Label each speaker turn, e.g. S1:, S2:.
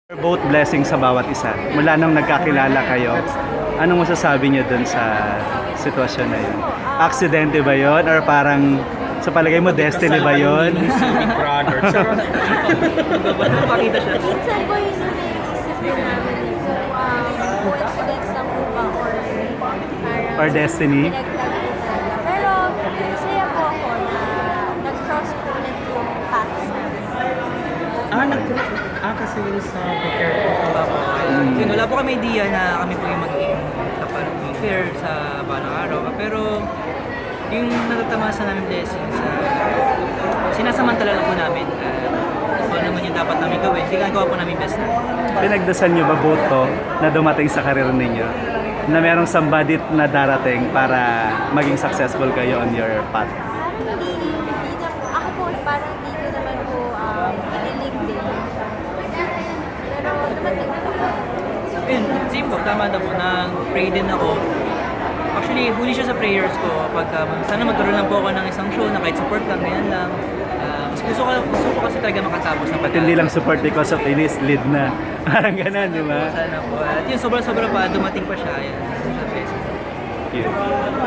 S1: Both blessings sa bawat isa. Mula nung nagkakilala kayo, anong masasabi niyo dun sa sitwasyon na yun? Aksidente ba yun? Or parang sa palagay mo, destiny ba yun?
S2: Brother.
S3: Pakita siya.
S4: Minsan po yun yung naisip din namin eh. Coincidence lang po ba or parang
S1: Or destiny?
S4: pinagtagpo. Pero masaya po ako na nag-cross po ulit yung paths namin.
S2: Kasi yun sa prepare ko pa po.
S3: Yun, wala po kami idea na kami po yung magiging pair sa balang araw. Pero yung natatamasa namin blessings, sinasamantala lang po namin. Kung ano naman yung dapat namin gawin, ginagawa po namin best na.
S1: Pinagdasal niyo ba both to na dumating sa karir ninyo? Na merong somebody na darating para maging successful kayo on your path?
S4: Parang hindi na, ako po parang hindi ko naman po iniling din. Pero dumating po.
S3: Yun, same po, tama na po, nag-pray din ako. Actually, huli siya sa prayers ko. Sana magkaroon lang po ako ng isang show na kahit support lang, ganyan lang. Mas gusto ko kasi talaga makatapos ng
S1: At hindi lang support because of Inis, lead na. Parang ganun, di ba?
S3: Sana po. At yun, sobra-sobra pa, dumating pa siya. Yan.
S1: Cute.